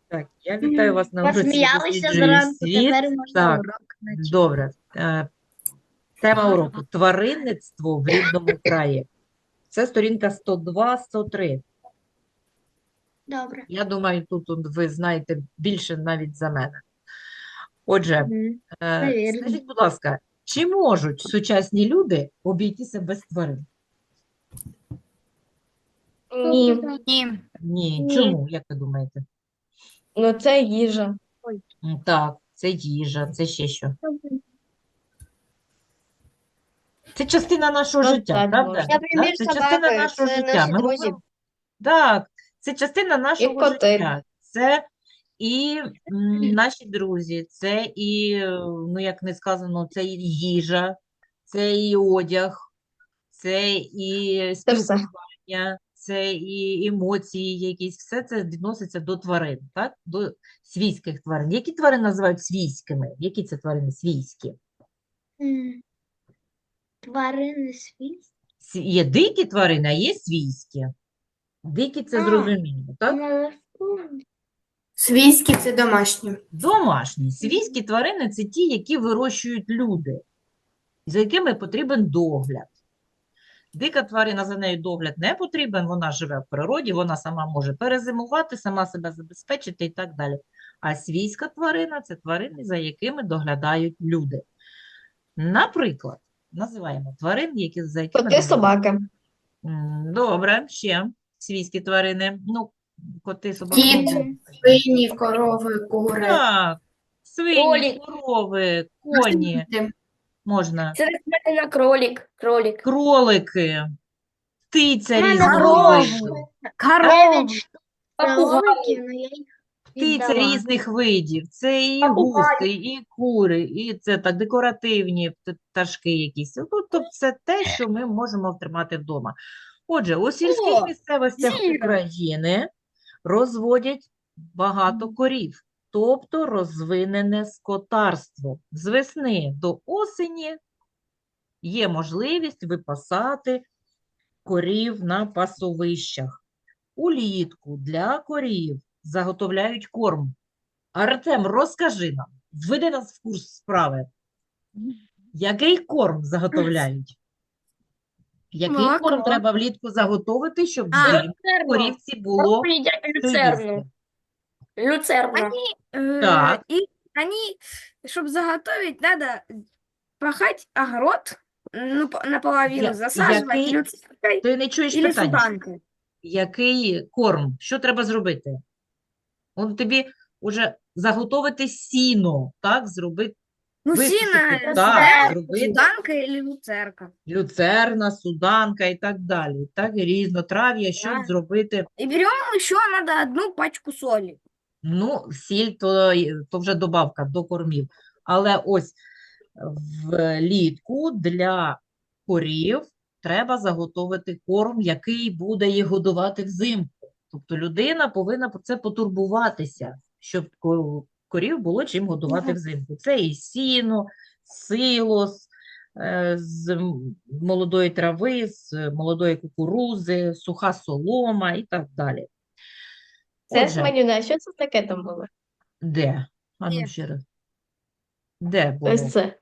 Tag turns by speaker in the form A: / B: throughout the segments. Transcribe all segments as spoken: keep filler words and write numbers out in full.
A: Так, я вітаю вас на уроці «Я
B: Посміялися
A: досліджую
B: зранку,
A: світ».
B: тепер можна
A: Так,
B: урок почати.
A: добре. Е, Тема уроку – тваринництво в рідному краї. Це сторінка сто два сто три.
B: Добре.
A: Я думаю, тут он ви знаєте більше навіть за мене. Отже,
B: Мгм.
A: е,
B: Навірно.
A: скажіть, будь ласка, чи можуть сучасні люди обійтися без тварин?
C: Ні,
B: Ні.
A: Ні.
C: ні.
A: Чому, як ви думаєте?
C: Ну це їжа.
B: Ой.
A: М, Так, це їжа, це ще що? Це частина нашого
C: Ну,
A: життя,
C: так
A: правда?
C: можна.
A: Так?
B: Наприклад,
A: Це частина
B: собаки
A: нашого
B: це
A: життя.
B: наші
A: Ми
B: друзі.
A: говоримо. Так, це частина
C: І
A: нашого
C: коти.
A: життя. Це і м, наші друзі, це і, е, ну як не сказано, це і їжа, це і одяг, це і
C: Це все.
A: спілкування, це і емоції якісь. Все це відноситься до тварин, так? До свійських тварин. Які тварини називають свійськими? Які це тварини свійські?
B: М. Тварини світ.
A: Св- Є дикі тварини, а є свійські. Дикі це
B: А,
A: зрозуміло, так?
B: молоко.
D: Свійські це домашні.
A: Домашні. Свійські тварини це ті, які вирощують люди, за якими потрібен догляд. Дика тварина, за нею догляд не потрібен, вона живе в природі, вона сама може перезимувати, сама себе забезпечити і так далі. А свійська тварина це тварини, за якими доглядають люди. Наприклад, називаємо тварин, які, за якими
C: Коти,
A: доглядають.
C: собаки.
A: М, Добре, ще свійські тварини. Ну, коти, собаки.
D: Кіт,
A: ну,
D: свині, корови, кури.
A: Так, свині,
C: Кролик.
A: корови, коні,
D: Діти.
A: можна,
C: Це на кролик. Кролик.
A: кролики, птиця
B: У мене
A: різного
B: було
A: виду,
B: дев'ять штук
C: Попугай.
B: кроликів, але я їх
A: птиця
B: віддала.
A: різних видів. Це і
C: Попугай.
A: гуси, і кури, і це так декоративні пт- пташки якісь. Ну, тобто це те, що ми можемо втримати вдома. Отже, у сільських
C: О,
A: місцевостях
C: зіра.
A: України розводять багато корів, тобто розвинене скотарство. З весни до осені є можливість випасати корів на пасовищах. Улітку для корів заготовляють корм. Артем, розкажи нам, введи нас в курс справи. Який корм заготовляють? Який корм
C: Молоко.
A: треба влітку заготовити, щоб
C: А,
A: взимку
C: люцерну.
A: корівці було
C: Просто едят
A: що
C: люцерну.
A: їсти?
C: Люцерна.
E: Они, э,
A: Так,
E: и они, чтобы заготовить, надо пахать огород, ну, по- наполовину
A: Я-
E: засаживать
A: який,
E: люцеркой
A: ти не чуєш
E: или
A: питання.
E: суданкой.
A: Який корм? Що треба зробити? Он тобі вже заготовити сіно, так, зробити,
E: Ну,
A: висушити,
E: сено,
A: так,
E: э,
A: зробити
E: суданка или люцерка.
A: люцерна, суданка і так далі. Так, і різнотрав'я, щоб
E: Да.
A: зробити,
E: И берем еще надо одну пачку соли.
A: ну, сіль, то, й- то вже добавка до кормів. Але ось влітку для корів треба заготовити корм, який буде їх годувати взимку. Тобто людина повинна про це потурбуватися, щоб ко- корів було чим годувати взимку. Це і сіно, силос е, з м- молодої трави, з молодої кукурузи, суха солома і так далі.
C: Це
A: Отже,
C: смалюна. Що це таке там було?
A: де? А ну
E: Де?
A: ще раз. Де було?
C: Ось це.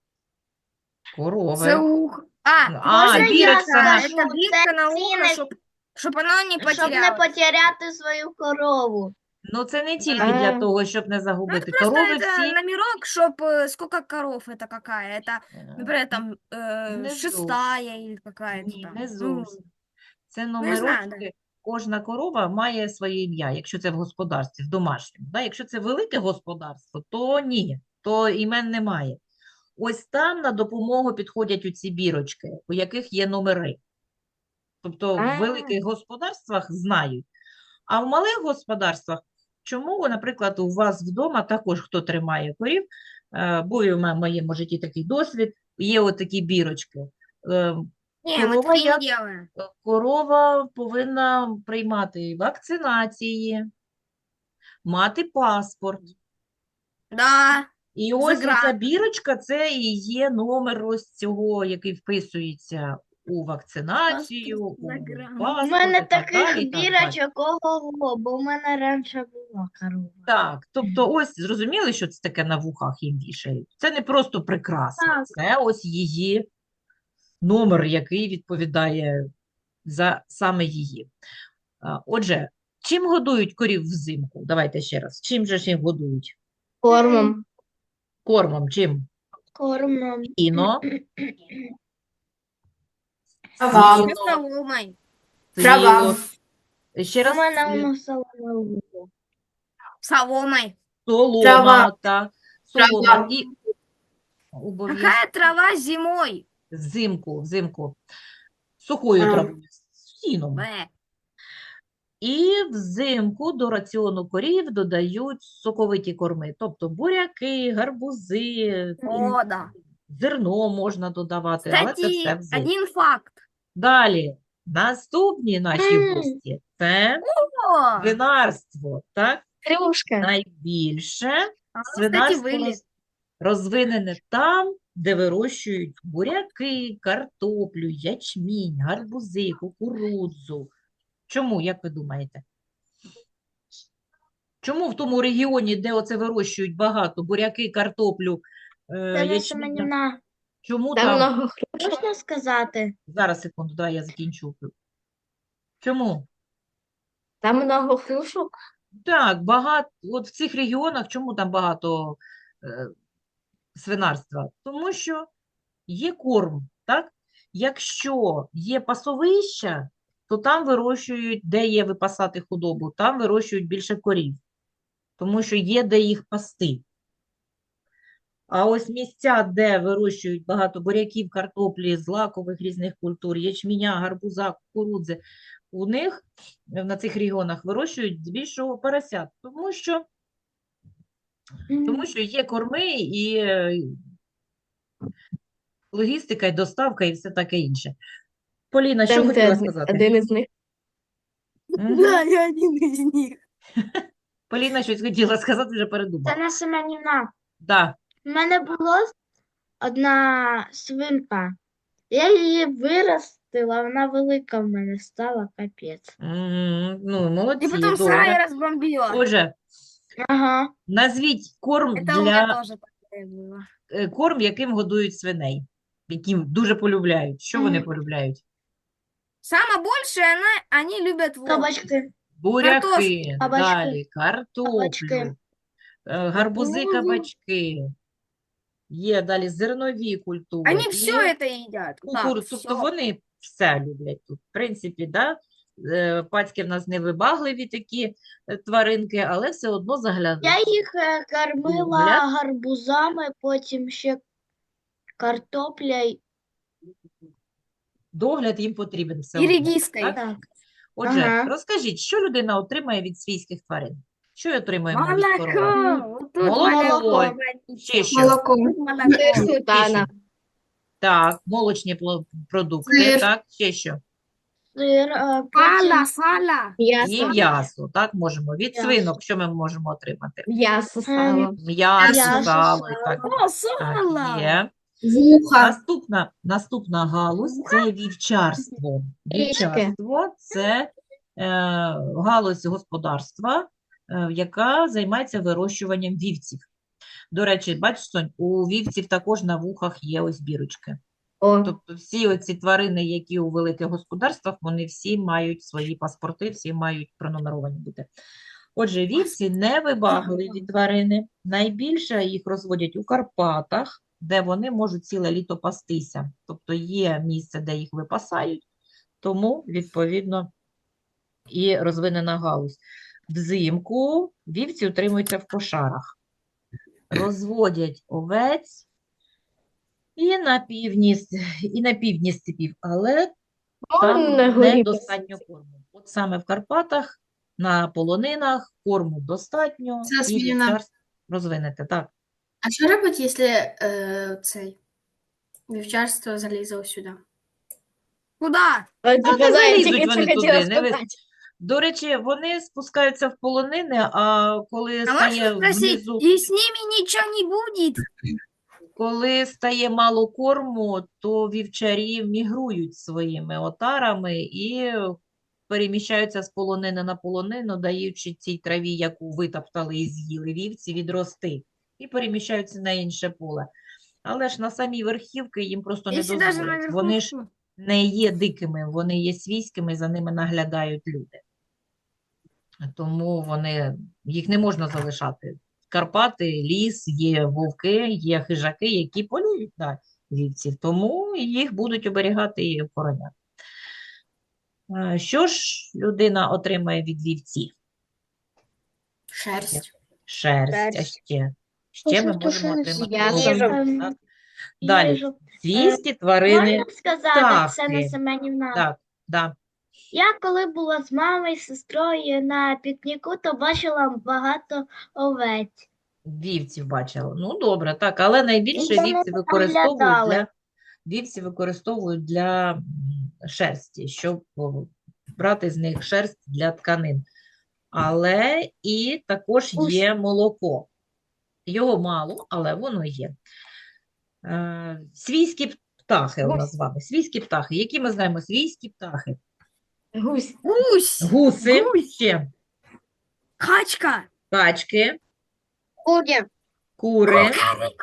A: Корови.
E: Заух. А,
A: А,
B: Можна я
A: бірочка на...
B: скажу?
E: это бирка на ухо,
B: Цінник,
E: чтобы чтоб оно не
B: щоб не
E: потерялось.
B: потеряти свою корову.
A: Ну, це не тільки для
C: А.
A: того, щоб не
E: Ну, это
A: загубити.
E: просто
A: Корови
E: это
A: всі...
E: номерок, чтобы сколько коров это какая. Это,
A: е,
E: например, там э,
A: не
E: шестая или какая-то
A: Ні,
E: там.
A: не
E: Ну,
A: зовсім. Це
E: ну, я знаю, да.
A: номерочки. Кожна корова має своє ім'я, якщо це в господарстві, в домашньому. Да? Якщо це велике господарство, то ні, то імен немає. Ось там на допомогу підходять оці бірочки, у яких є номери. Тобто в
C: А.
A: великих господарствах знають. А в малих господарствах, чому, наприклад, у вас вдома також хто тримає корів, е, бо і в ме- моєму житті такий досвід, є отакі бірочки. Е,
E: Не, мы
A: Корова,
E: так не
A: як,
E: делаем.
A: корова повинна приймати вакцинації, мати паспорт.
E: Да.
A: І ось
E: Загран.
A: оця бірочка – це і є номер ось цього, який вписується у вакцинацію, у
E: Загран.
B: У
A: паспорт
B: мене
A: і так далі,
B: таких
A: і так далі.
B: бірочок ого-го, бо в мене раніше було Була корова.
A: Так, тобто ось зрозуміли, що це таке на вухах їм вішають? Це не просто прикраса,
B: Так.
A: це ось її номер, який відповідає за саме її. А, Отже, чим годують корів взимку? Давайте ще раз. Чим же ж їх годують?
C: Кормом.
A: Кормом, чим?
B: Кормом.
A: Іно,
D: Трава.
A: сіно,
E: Соломой.
D: Трава.
A: сіло. Ще раз.
B: У мене
A: е,
B: воно соломе.
E: Соломой.
A: Солома,
D: Трава.
A: так. Солома.
D: Трава.
A: І обов'язково
E: Какая трава зимой?
A: взимку, взимку. Сухою
D: А.
A: травою, сіном.
E: Б.
A: І взимку до раціону корів додають соковиті корми, тобто буряки, гарбузи,
E: О, да.
A: зерно можна додавати, але це все
E: Кстати,
A: взимку.
E: один факт.
A: Далі, наступні наші
B: М.
A: гості – це
E: О,
A: свинарство, так?
B: Крюшка.
A: Найбільше
E: а, кстати,
A: свинарство
E: виліз.
A: роз- розвинене там, де вирощують буряки, картоплю, ячмінь, гарбузи, кукурудзу. Чому, як ви думаєте? Чому в тому регіоні, де оце вирощують багато буряки, картоплю, е,
B: Це не
A: ячмінь,
B: семенівна.
A: чому
C: Там
A: там?
C: много
B: Можна сказати?
A: Зараз, секунду, давай я закінчу. Чому?
C: Там много хрюшок.
A: Так, багато, от в цих регіонах, чому там багато е, свинарства? Тому що є корм, так? Якщо є пасовища, то там вирощують, де є випасати худобу, там вирощують більше корів, тому що є де їх пасти. А ось місця, де вирощують багато буряків, картоплі, злакових різних культур, ячменя, гарбуза, кукурудзи, у них на цих регіонах вирощують здебільшого поросят, тому що, тому що є корми і е, логістика, і доставка, і все таке інше. Поліна, що
C: Там
A: хотіла
C: це
A: сказати?
C: один із них.
A: Мгм.
E: Да, я один из них.
A: Поліна щось хотіла сказати, вже
B: Це
A: передумала.
B: не семенівна.
A: Да.
B: У мене була одна свинка. Я її виростила, вона велика в мене стала, капець.
A: М, Ну,
E: И
A: молодці,
E: потом
A: добре.
E: сарай разбомбила.
A: Отже,
B: Ага.
E: Это
A: назвіть корм
E: у меня
A: для
E: тоже такое было.
A: е, корм, яким годують свиней, яким дуже полюбляють. Що вони
B: Мгм.
A: полюбляють?
E: Самое большее она, они любят вот.
B: Кабачки.
A: Буряки,
B: Картошку, кабачки,
A: далі, картоплю,
B: кабачки.
A: е, гарбузи,
E: Кукурудзу.
A: кабачки. Є далі зернові культури.
E: Они
A: і
E: все это едят. Так,
A: кукур- Тобто
E: всё.
A: вони все люблять тут. В принципі, да? е, пацьки в нас невибагливі такі е, тваринки, але все одно заглядають.
B: Я їх е, кормила
A: Догляд.
B: гарбузами, потім ще картопля. й-
A: Догляд їм потрібен все
E: И
A: одно.
E: редиской.
A: так?
B: Так.
A: Отже,
B: Ага.
A: розкажіть, що людина отримає від свійських тварин? Що отримуємо від корови?
E: Молоко. Вот тут
A: Молоко.
E: молоко.
A: Ще що?
D: Молоко.
E: Тут молоко.
C: Сметана.
A: Так, молочні пло- продукти,
D: Сир.
A: так, ще що?
B: Сир, е,
E: Сало,
B: потім
E: сало.
A: І
C: М'ясо.
A: м'ясо, так, можемо. Від
B: М'ясо.
A: свинок що ми можемо отримати?
C: М'ясо, сало.
A: М'ясо,
B: М'ясо,
A: сало, і
B: сало.
A: так,
E: О, сало.
A: так, є.
D: Вуха.
A: Наступна, наступна галузь – це вівчарство. Вівчарство – це е, галузь господарства, е, яка займається вирощуванням вівців. До речі, бачиш, Сонь, у вівців також на вухах є ось бірочки.
C: О,
A: Тобто всі оці тварини, які у великих господарствах, вони всі мають свої паспорти, всі мають пронумеровані бути. Отже, вівці невибагливі тварини. Найбільше їх розводять у Карпатах, де вони можуть ціле літо пастися. Тобто є місце, де їх випасають, тому, відповідно, і розвинена галузь. Взимку вівці утримуються в кошарах. Розводять овець і на півдні, с- і на півдні степів, але там
C: на горі
A: недостатньо корму. От саме в Карпатах, на полонинах корму достатньо
D: Це
A: і
D: зміна.
A: вівчарство розвинете. Так.
D: А що робить, якщо е, цей вівчарство залізло сюди?
E: Куда?
C: от
A: не
C: тільки знаю,
A: залізуть
C: тільки
A: вони
C: це хотіла
A: туди, не ви-
C: спитати.
A: До речі, вони спускаються в полонини, а коли
E: А
A: стає
E: можно спросить,
A: внизу,
E: и с ними ничего не будет?
A: коли стає мало корму, то вівчарі мігрують своїми отарами і переміщаються з полонини на полонину, даючи цій траві, яку витоптали і з'їли вівці, відрости, і переміщаються на інше поле. Але ж на самій верхівки їм просто не
E: Если даже
A: дозволять.
E: наверху.
A: Вони ж не є дикими, вони є свійськими, за ними наглядають люди. Тому вони, їх не можна залишати. Карпати, ліс, є вовки, є хижаки, які полюють на вівців, тому їх будуть оберігати і охороняти. Е, Що ж людина отримає від вівців?
D: Шерсть.
A: Шерсть, а
B: Шерсть.
A: ще. Ще ми
B: Просто
A: можемо
B: шерсть.
A: отримати
C: М'ясо.
A: м'ясо,
B: Ем,
A: так? Далі.
B: їжу.
A: Свійські тварини.
B: Можна сказати, Оксана
A: птахи.
B: Семенівна?
A: Так, да.
B: Я коли була з мамою, з сестрою на пікніку, то бачила багато овець.
A: Вівців бачила. Ну, добре, так, але найбільше
B: Вони
A: вівці використовують для,
B: наглядали.
A: вівці використовують для м, шерсті, щоб о, брати з них шерсть для тканин. Але і також
B: Ус.
A: є молоко. Його мало, але воно є. Е, свійські птахи у нас з вами. Свійські птахи. Які ми знаємо свійські птахи?
C: Гусь.
E: Гусь,
A: Гуси,
E: Гусь.
A: ще
E: качка,
A: качки,
B: Курі.
A: кури,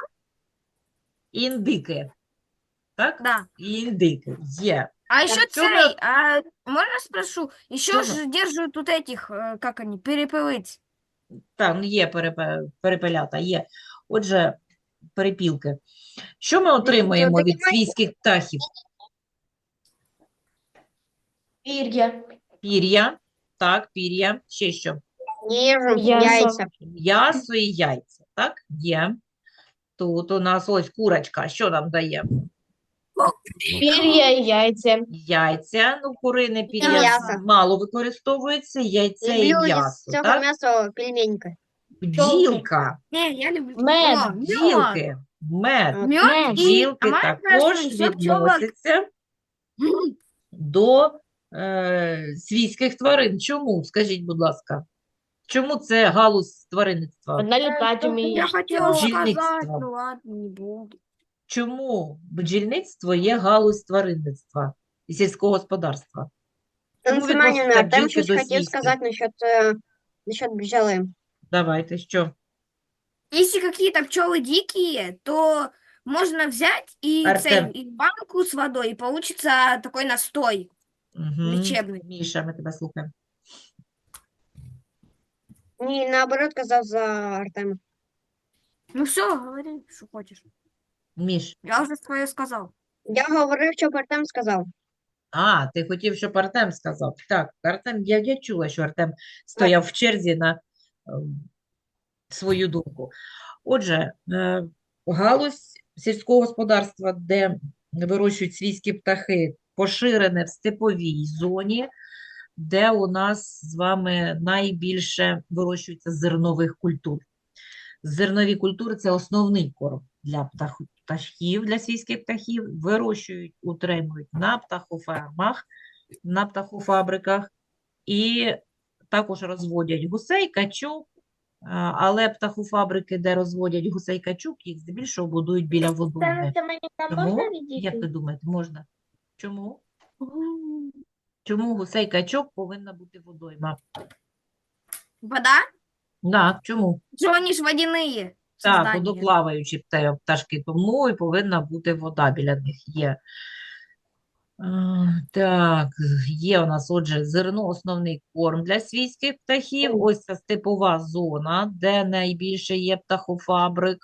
A: індики. Так?
E: да.
A: І індики є.
E: А еще
A: чё мы-
E: цей, а можно спрошу, еще
A: Чё мы-
E: же держат тут этих, э, как они, перепелыть.
A: Так, ну є перепе- перепелята, є. Отже, перепілки. Що ми отримуємо від свійських птахів?
C: Пір'я.
A: Пір'я. Так, пір'я. Ще що?
B: Їжу,
C: М'ясо.
A: М'ясо і яйця. Так, є. Тут у нас ось курочка. Що нам дає?
C: Пір'я і яйця.
A: Яйця. Ну, курине пір'я
B: м'ясо.
A: мало використовується. Яйця і м'ясо. Так?
B: м'ясо пельменька.
A: Бджілка.
E: Не, я люблю.
C: Мед,
E: О, мед.
A: Бджілки. Мед.
E: Мед и...
A: Бджілки
E: а можно
A: також
E: спросить, что пчелок-
A: відносяться до е, свійських тварин. Чому? Скажіть, будь ласка. Чому це галузь тваринництва?
C: Вона літати вміє.
E: Я хотела
A: Бджільництво.
E: сказать, ну ладно, не буду.
A: Чому бджільництво є галузь тваринництва і сільського господарства? Чому відносяться
B: там
A: бджілки
B: щось
A: до
B: хотів
A: свійських?
B: сказати насчет, е, насчет бджоли.
A: Давайте, що?
E: Если какие-то пчелы дикие, то можно взять и,
A: Артем.
E: цей, и банку с водой, и получится такой настой.
A: Угу.
E: Лічебний.
A: Міша, ми тебе слухаємо.
B: Ні, наоборот, казав за Артема.
E: Ну все, говори, что хочешь.
A: Міш.
E: Я уже свое сказал.
B: Я говорив, що Артем сказав.
A: А, ти хотів, щоб Артем сказав. Так, Артем, я, я чула, що Артем стояв в черзі на ем, свою думку. Отже, е, галузь сільського господарства, де вирощують свійські птахи, поширене в степовій зоні, де у нас з вами найбільше вирощується зернових культур. Зернові культури – це основний корм для птах, птахів, для свійських птахів. Вирощують, утримують на птахофермах, на птахофабриках і також розводять гусей, качок, а, але птахофабрики, де розводять гусей, качок, їх здебільшого будують біля водойми. Чому? Як ви думаєте, можна? Чому? Чому гусей, качок повинна бути водойма?
E: Вода?
A: Так, чому?
E: Что они ж водяные
A: Так,
E: создания.
A: водоплаваючі пте- пташки, тому і повинна бути вода біля них є. А, Так, є у нас, отже, зерно, основний корм для свійських птахів. Ось ця степова зона, де найбільше є птахофабрик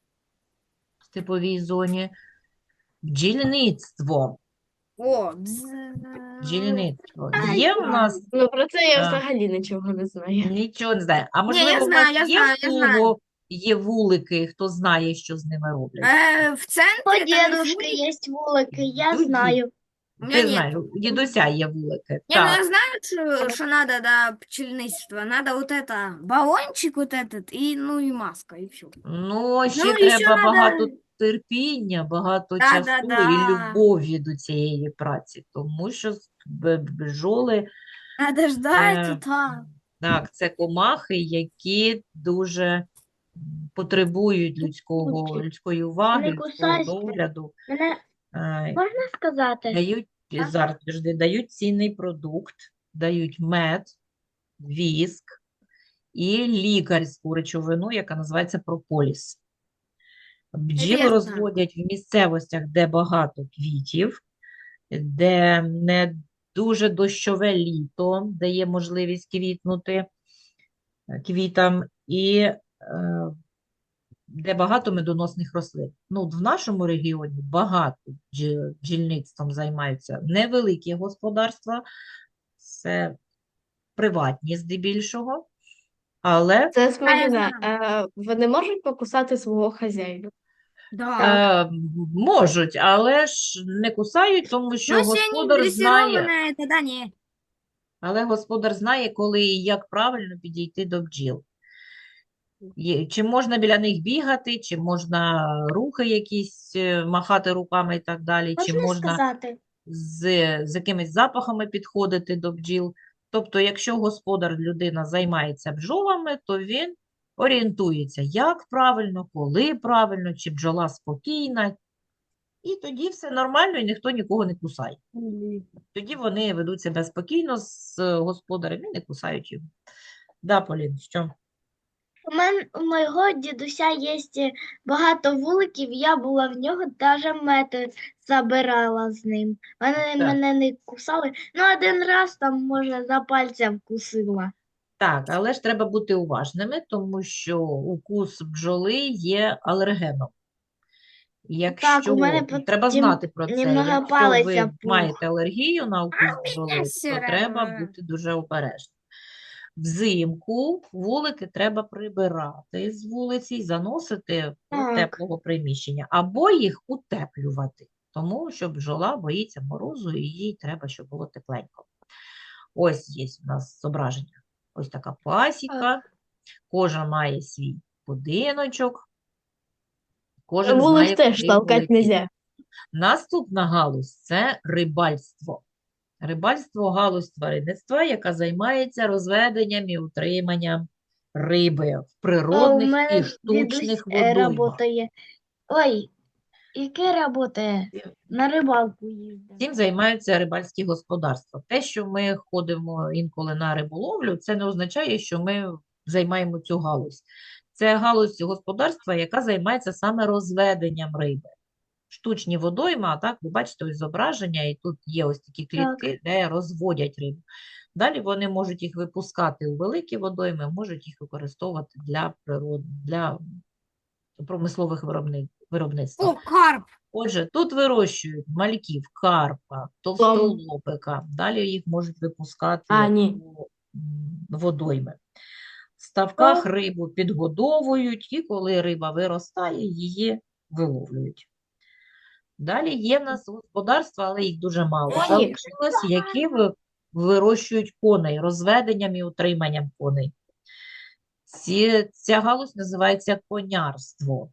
A: в степовій зоні. Бджільництво.
E: О, бз...
A: Бджільництво. Є у нас
C: Ну, про це я
A: А.
C: взагалі нічого не знаю.
A: нічого не знаю. А
E: я
A: можливо, у вас
E: знаю, я
A: є
E: знаю, я
A: в
E: знаю.
A: кого є вулики, хто знає, що з ними роблять?
E: Э, в центре...
B: У
E: э,
B: дедушки
E: вулик-
B: є вулики, я
A: Ну, ді-
B: знаю.
E: У меня
A: Ти
E: нет.
A: знаєш, у дідуся є вулики.
E: Не, ну
A: Так.
E: я знаю, что, что надо, да, пчельничество. Надо вот это, баллончик вот этот, и, ну, и маска, и все.
A: Ну, ще
E: Ну, і ще
A: треба
E: надо-
A: багато терпіння, багато
E: Да,
A: часу
E: да,
A: і
E: да.
A: любові до цієї праці, тому що з- б- бджоли,
E: Надо ждать,
A: Э,
E: и так.
A: так, це комахи, які дуже м, потребують людського, людської уваги,
B: Не
A: людського
B: кусайся.
A: догляду,
B: Мене
A: е,
B: можна сказати?
A: дають,
B: Так.
A: зараз, підожди, дають цінний продукт, дають мед, віск і лікарську речовину, яка називається прополіс. Бджіл
E: Інтересно.
A: розводять в місцевостях, де багато квітів, де не дуже дощове літо дає можливість квітнути е, квітам, і е, де багато медоносних рослин. Ну, в нашому регіоні багато бджі- бджільництвом займаються невеликі господарства, це приватні здебільшого, але
C: Це
E: А, я
C: смачно.
E: знаю.
C: Е, Вони можуть покусати свого хазяїна.
E: Да.
A: е, можуть, але ж не кусають, тому що
E: Ну, если они
A: господар знає,
E: дрессированные, тогда не.
A: але господар знає, коли і як правильно підійти до бджіл. Є- Чи можна біля них бігати, чи можна рухи якісь е, махати руками і так далі, чи
B: Можна
A: можна
B: сказати?
A: з, з якимись запахами підходити до бджіл. Тобто, якщо господар, людина займається бджолами, то він орієнтується, як правильно, коли правильно, чи бджола спокійна, і тоді все нормально, і ніхто нікого не кусає. Тоді вони ведуть себе спокійно з е, господарем і не кусають його. Да, Полін, що?
B: У мен, у мого дідуся є багато вуликів, я була в нього, навіть мед забирала з ним. Вони
A: Так.
B: мене не кусали. Ну, один раз там, може, за пальця вкусила.
A: Так, але ж треба бути уважними, тому що укус бджоли є алергеном. Якщо
B: у мене потім
A: треба знати про це,
B: немного
A: якщо
B: палець
A: ви
B: опух.
A: маєте алергію на укус бджоли,
E: все
A: то треба
E: равно.
A: бути дуже обережним. Взимку вулики треба прибирати з вулиці і заносити до
B: Так.
A: теплого приміщення, або їх утеплювати, тому що бджола боїться морозу і їй треба, щоб було тепленько. Ось є у нас зображення. Ось така пасіка. Кожен має свій будиночок. Кожен знає,
C: Вулик теж
A: куди
C: толкати
A: полетіти.
C: нельзя.
A: Наступна галузь – це рибальство. Рибальство – галузь тваринництва, яка займається розведенням і утриманням риби в
B: А у
A: природних
B: мене
A: і штучних
B: дідусь е,
A: водоймах.
B: работає. Ой, яке работає? На рибалку їздить.
A: Цим займаються рибальські господарства. Те, що ми ходимо інколи на риболовлю, це не означає, що ми займаємо цю галузь. Це галузь господарства, яка займається саме розведенням риби. Штучні водойми, а так, ви бачите ось зображення, і тут є ось такі клітки, де розводять рибу. Далі вони можуть їх випускати у великі водойми, можуть їх використовувати для природ... для промислових виробни... виробництва.
E: О, карп.
A: Отже, тут вирощують мальків, карпа, товстолобика, далі їх можуть випускати
C: А, ні.
A: у м, водойми. В ставках рибу підгодовують, і коли риба виростає, її виловлюють. Далі є в нас господарства, але їх дуже мало
C: Ой.
A: залишилось, які ви- вирощують коней, розведенням і утриманням коней. Ці, ця галузь називається конярство.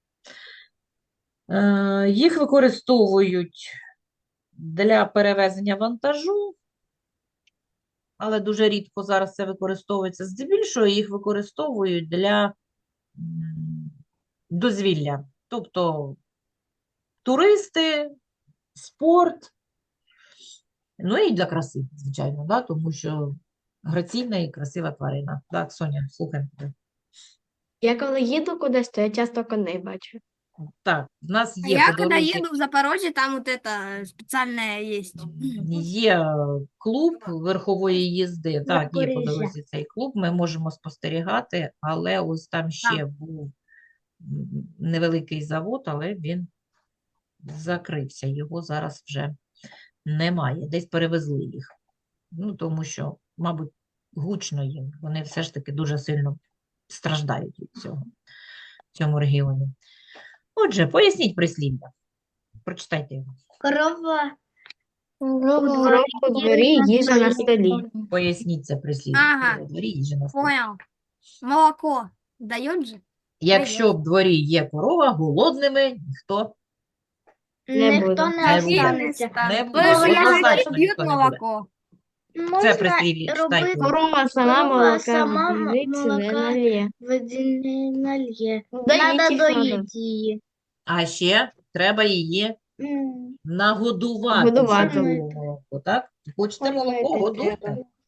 A: Е, їх використовують для перевезення вантажу, але дуже рідко зараз це використовується. Здебільшого їх використовують для м, дозвілля. Тобто туристи, спорт, ну і для краси, звичайно, да? Тому що граційна і красива тварина. Так, Соня, слухаємо тебе.
C: Я коли їду кудись, то я часто коней бачу.
A: Так, в нас
E: А
A: є
E: я
A: по
E: когда
A: дорозі,
E: еду в Запорожье, там вот это специальное есть.
A: є е, клуб верхової їзди. Так, є по
B: Запоріжжя.
A: дорозі цей клуб, ми можемо спостерігати, але ось там ще був м, невеликий завод, але він закрився, його зараз вже немає, десь перевезли їх. Ну, тому що, мабуть, гучно їм, вони все ж таки дуже сильно страждають від цього в цьому регіоні. Отже, поясніть прислів'я. Прочитайте його.
B: Корова
C: Корова у дворі, їжа на столі.
A: Поясніть це прислів'я.
E: Ага.
A: У дворі їжа на столі.
E: Понял. Молоко дает же?
A: Якщо в дворі є корова, голодними ніхто
C: Не
B: ніхто
C: буде.
B: не
A: Не буде.
B: останеться.
A: не
E: То
A: буде.
E: есть я
A: Однозначно
E: пьют
A: ніхто не буде.
E: молоко.
A: Це
B: Можна
A: прислів'я, читайте.
B: робити
C: Корова сама
B: Корова
C: молока
B: сама
C: в дільниці не
B: молока
C: налє.
B: води не нальє.
C: Доїть
B: Надо
C: їх надо.
B: доїти її.
A: А ще треба її
B: М,
A: нагодувати
C: Годувати.
A: щоб було молоко, так? Хочете молоко,
B: Кормити
A: годуйте.
B: треба.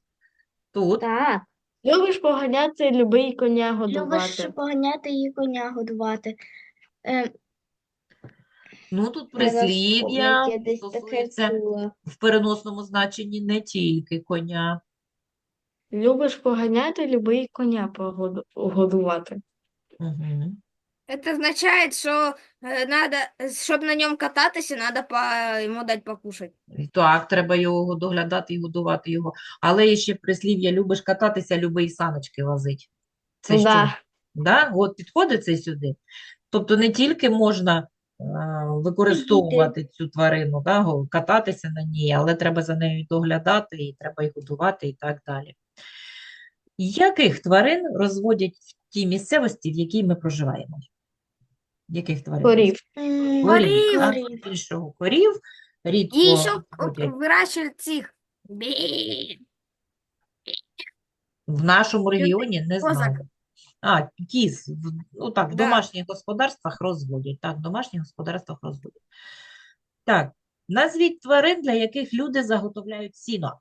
A: Тут.
B: Так.
C: Любиш поганяти, любий коня
B: Любиш
C: годувати.
B: поганяти і коня годувати. Е,
A: Ну, тут
B: треба
A: прислів'я
B: вспомнити, я десь таке
A: стосується
B: чула.
A: в переносному значенні не тільки коня.
C: Любиш поганяти, любий коня погоду- годувати.
A: Угу.
E: Это означает, что э, надо, чтобы на нем кататься, надо по, ему дать покушать.
A: Так, треба його доглядати і годувати його. Але є ще прислів'я «любиш кататися, люби й саночки возить». Це що?
C: Да.
A: Да? От підходить це сюди. Тобто не тільки можна е, використовувати цю тварину, да, го- кататися на ній, але треба за нею доглядати, і треба їх годувати і так далі. Яких тварин розводять в тій місцевості, в якій ми проживаємо? Яких тварин?
C: Корів.
B: М,
A: Корів, так,
B: корів.
A: більшого корів, рідко
E: И еще
A: розводять.
E: выращивают их. Бе.
A: В нашому регіоні не
E: козак.
A: знаю. А, кіз, в- ну так, в
E: Да.
A: домашніх господарствах розводять. Так, в домашніх господарствах розводять. Так, назвіть тварин, для яких люди заготовляють сіно.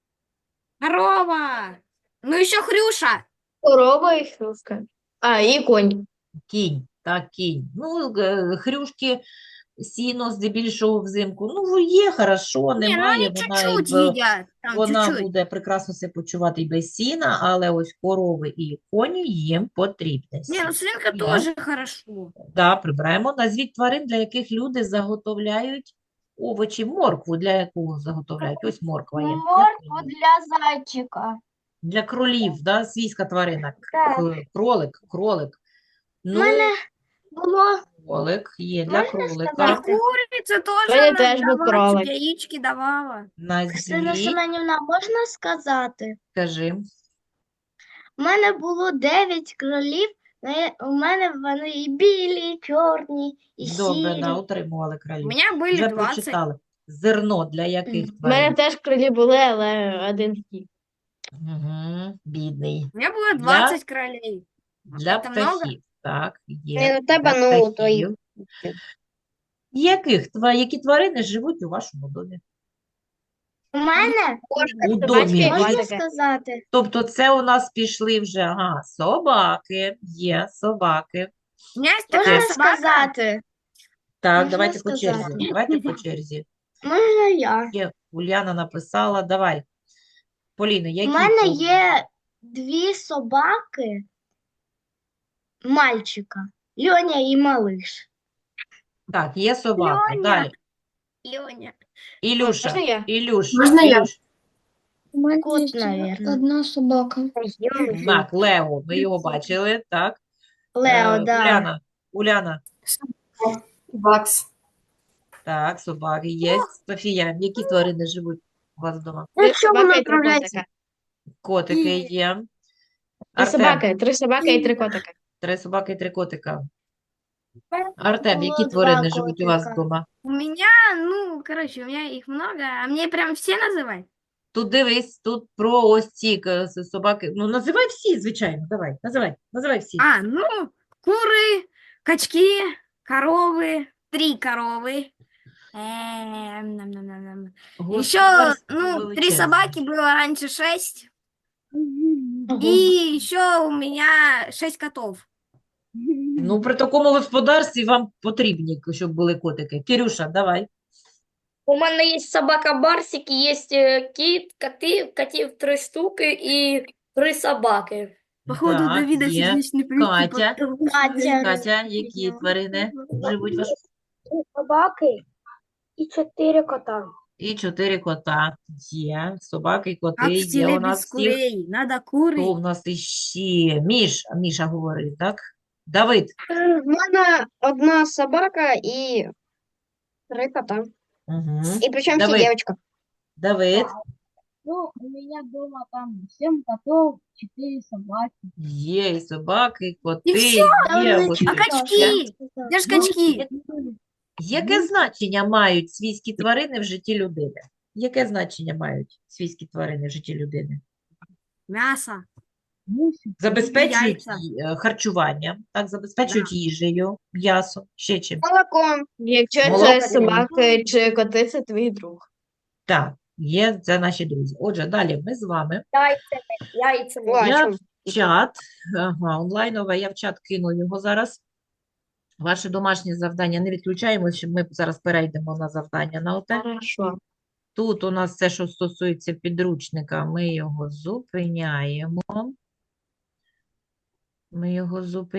E: Корова. Ну еще Хрюша.
C: Корова і хрюшка. А, і конь.
A: Кінь, так, кінь. Ну, е, хрюшки, сіно здебільшого взимку. Ну, є, хорошо,
E: Не, ну
A: немає,
E: они
A: вона і
E: чуть-чуть
A: в-
E: едят. Там
A: вона
E: чуть-чуть.
A: буде прекрасно себе почувати і без сіна, але ось корови і коні їм потрібне
E: Не,
A: сіно.
E: ну свинка
A: Да.
E: тоже хорошо.
A: Да, прибираємо. Назвіть тварин, для яких люди заготовляють овочі, моркву, для якого заготовляють. Ось морква є. Для
B: Моркву
A: кролів.
B: для зайчика.
A: Для кролів, да, свійська тварина.
B: Так.
A: К- Кролик, кролик.
B: У
A: Ну,
B: мене було
A: кролик є для
B: Можна
A: кролика.
E: И
B: сказати?
E: курица тоже
C: Мене
E: она
C: теж був
E: давала,
C: кролик.
E: чтоб яички давала.
B: Ксена
A: Назвіть,
B: Семенівна, можна сказати?
A: кажи.
B: У мене було дев'ять кролів, але у мене вони і білі, і чорні, і
A: Добре,
B: сірі.
A: да, утримували
E: У
A: кролів.
E: меня были
A: Вже
E: двадцать.
A: прочитали. Зерно для яких
B: Мгм.
C: У мене
A: тварин?
C: теж кролі були, але один втік.
A: Угу, бідний.
E: У меня было
A: Для-
E: двадцать кролей.
A: Для
E: Это много?
A: птахів. Так, є.
C: Ні, ну, тебе,
A: Для
C: ну, то й-
A: птахів. Яких, тва- які тварини живуть у вашому домі?
B: У мене
A: У домі.
B: можна
C: Бачите?
B: сказати?
A: Тобто це у нас пішли вже, ага, собаки, є собаки.
E: У меня есть такая
B: Можна
E: собака.
B: сказати?
A: Так,
B: Можна
A: давайте по
B: сказати?
A: черзі. Давайте по черзі.
B: Можна я?
A: Є, Уляна написала, давай. Поліно,
B: У
A: які
B: мене
A: тварини?
B: є дві собаки мальчика. Льоня і малиш.
A: Так, є собака.
E: Льоня.
A: Далі.
E: Леня.
A: Ілюша,
C: Можна я?
A: Ілюш,
D: Можна я?
A: Ілюш.
C: У мене
B: Кот, наверно.
C: одна собака.
A: Так, Лео, ми його бачили, так.
B: Лео,
A: Е,
B: да.
A: Уляна, Уляна,
D: Бакс.
A: так, собаки є. Софія, які тварини живуть у вас вдома?
C: Три собаки і три котика.
A: Котики є.
C: Три
A: Артем,
C: собаки, три собаки і три котика.
A: три собаки і три котика. Артем, які
B: Було
A: тварини
B: два
A: живуть у вас
B: котика.
A: вдома?
E: У меня, ну, короче, у меня их много, а мне прям все называть?
A: Тут дивись, тут про ось ці к- с- собаки. Ну, називай всі, звичайно, давай, називай, називай всі.
E: А, ну, куры, качки, коровы, три коровы. Эм, нам-нам-нам-нам. Еще,
A: Господарство
E: ну, три
A: величезне.
E: собаки было раньше шесть. И еще у меня шесть котов.
A: Ну, при такому господарстві вам потрібні, щоб були котики. Кирюша, давай.
F: У мене є собака Барсик, є е, кіт, коти, котів три штуки і три собаки.
E: Походу,
A: Так,
E: Давида
A: є.
E: сердечный приступ.
A: Катя.
E: от того,
B: Катя.
A: Катя, які тварини живуть у вас?
B: Собаки і чотири кота.
A: І чотири кота є. Собаки,
E: Как
A: коти
E: в
A: є
E: селе
A: у нас
E: без
A: всіх.
E: курей. Надо
A: Хто
E: куры.
A: в нас іще? Міш, Міша говорив, так? Давид.
C: У мене одна собака і три кота.
A: Угу.
C: І причому всі
A: Давид.
C: дівчинка.
A: Давид.
G: Ну, у меня дома там семь котов, четыре собаки.
A: Є і собаки, і коти,
E: всьо?
A: є.
B: Там
A: ось
E: А
A: таке.
E: качки? Где ж качки?
A: Яке значення мають свійські тварини в житті людини? Яке значення мають свійські тварини в житті людини?
E: Мясо.
A: Забезпечують
E: Яйця.
A: ї- е, харчуванням, так, забезпечують їжею, м'ясо, ще чим.
C: Молоком. Якщо
A: Молоко.
C: це собаки чи коти, це твій друг.
A: Так, Є, це наші друзі. Отже, далі ми з вами.
F: Яйцами, яйцами.
C: Ой, а
A: Я
C: чё?
A: в чат, ага, онлайнове, я в чат кину його зараз. Ваше домашнє завдання не відключаємо, щоб ми зараз перейдемо на завдання на оте.
C: Хорошо.
A: Тут у нас все, що стосується підручника, ми його зупиняємо. Ми його зупиняємо.